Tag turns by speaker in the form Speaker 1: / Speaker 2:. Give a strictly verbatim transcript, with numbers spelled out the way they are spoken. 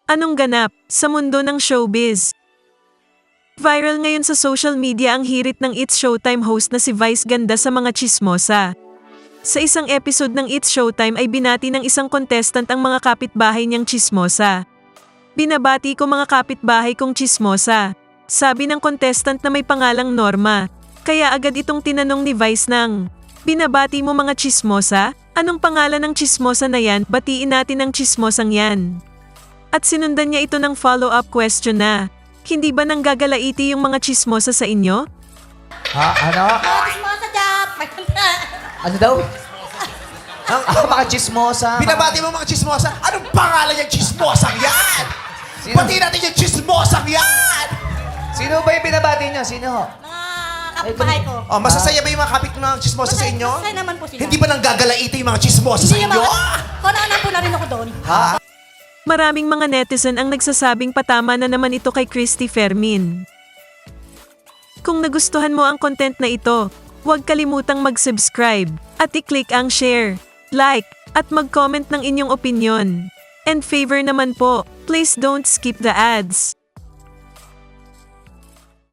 Speaker 1: Anong ganap sa mundo ng showbiz? Viral ngayon sa social media ang hirit ng It's Showtime host na si Vice Ganda sa mga tsismosa. Sa isang episode ng It's Showtime ay binati ng isang contestant ang mga kapitbahay niyang tsismosa. Binabati ko mga kapitbahay kong tsismosa. Sabi ng contestant na may pangalang Norma. Kaya agad itong tinanong ni Vice ng, binabati mo mga tsismosa? Anong pangalan ng tsismosa na yan? Batiin natin ang tsismosang yan. At sinundan niya ito ng follow-up question na, hindi ba nanggagalaiti yung mga tsismosa sa inyo?
Speaker 2: Ha? Ano?
Speaker 3: Mga chismosa dap!
Speaker 2: Ano daw? Ang ah, mga chismosa.
Speaker 4: Binabati mo mga chismosa. Anong pangalan yung chismosang yan?
Speaker 2: Sino?
Speaker 4: Pati natin yung chismosang yan!
Speaker 2: Sino ba yung binabati niyo? Sino ho?
Speaker 3: Mga kapitbahay ko.
Speaker 4: Oh, masasaya ba yung mga kapit ng chismosa sa
Speaker 3: Masaya-
Speaker 4: inyo?
Speaker 3: masaya naman po sila.
Speaker 4: Hindi ba nanggagalaiti yung mga chismosa sa
Speaker 3: Hindi
Speaker 4: inyo?
Speaker 3: naman. Kung ano po na rin ako doon.
Speaker 2: Ha?
Speaker 1: Maraming mga netizen ang nagsasabing patama na naman ito kay Christy Fermin. Kung nagustuhan mo ang content na ito, huwag kalimutang mag-subscribe at i-click ang share, like, at mag-comment ng inyong opinion. And favor naman po, please don't skip the ads.